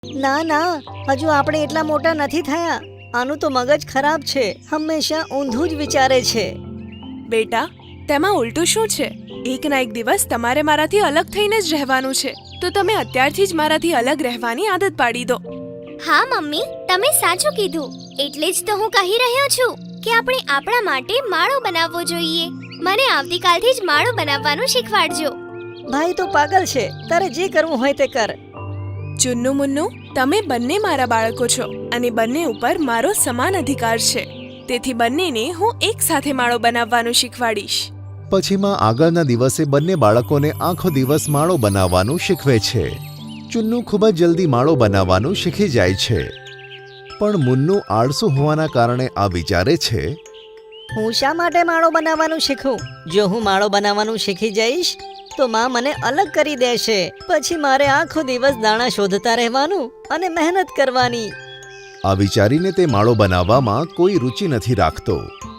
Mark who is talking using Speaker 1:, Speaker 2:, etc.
Speaker 1: ના ના, હજુ આપણે એટલા મોટા નથી થયા. આનું તો મગજ ખરાબ છે, હંમેશા ઊંધું જ વિચારે છે.
Speaker 2: બેટા, તેમાં ઉલટું શું છે? એક ના એક દિવસ તમારે મારાથી અલગ થઈને જ રહેવાનું છે, તો તમે અત્યારથી જ મારાથી અલગ રહેવાની આદત પાડી દો.
Speaker 3: હા મમ્મી, તમે સાચું કીધું. એટલે જ તો હું કહી રહ્યો છું કે આપણે આપણા માટે માળો બનાવવો જોઈએ. મને આવતીકાલથી જ માળો બનાવવાનું શીખવાડજો.
Speaker 1: ભાઈ તો પાગલ છે, તારે જે કરવું હોય તે કર.
Speaker 2: ચુન્નુ મુન્નુ, તમે બંને મારા બાળકો છો અને બંને ઉપર મારો સમાન અધિકાર છે. તેથી બંનેને હું એક સાથે માળો બનાવવાનું શીખવાડીશ.
Speaker 4: પછીમાં આગળના દિવસે બંને બાળકોને આખો દિવસ માળો બનાવવાનું શીખવે છે. ચુન્નુ ખૂબ જ જલ્દી માળો બનાવવાનું શીખી જાય છે, પણ મુન્નુ આળસુ હોવાના કારણે આ વિચારે છે,
Speaker 1: હું શા માટે માળો બનાવવાનું શીખું? જો હું માળો બનાવવાનું શીખી જઈશ તો માં મને અલગ કરી દેશે. પછી મારે આખો દિવસ દાણા શોધતા રહેવાનું અને મહેનત કરવાની.
Speaker 4: આ વિચારીને તે માળો બનાવવામાં કોઈ રુચિ નથી રાખતો.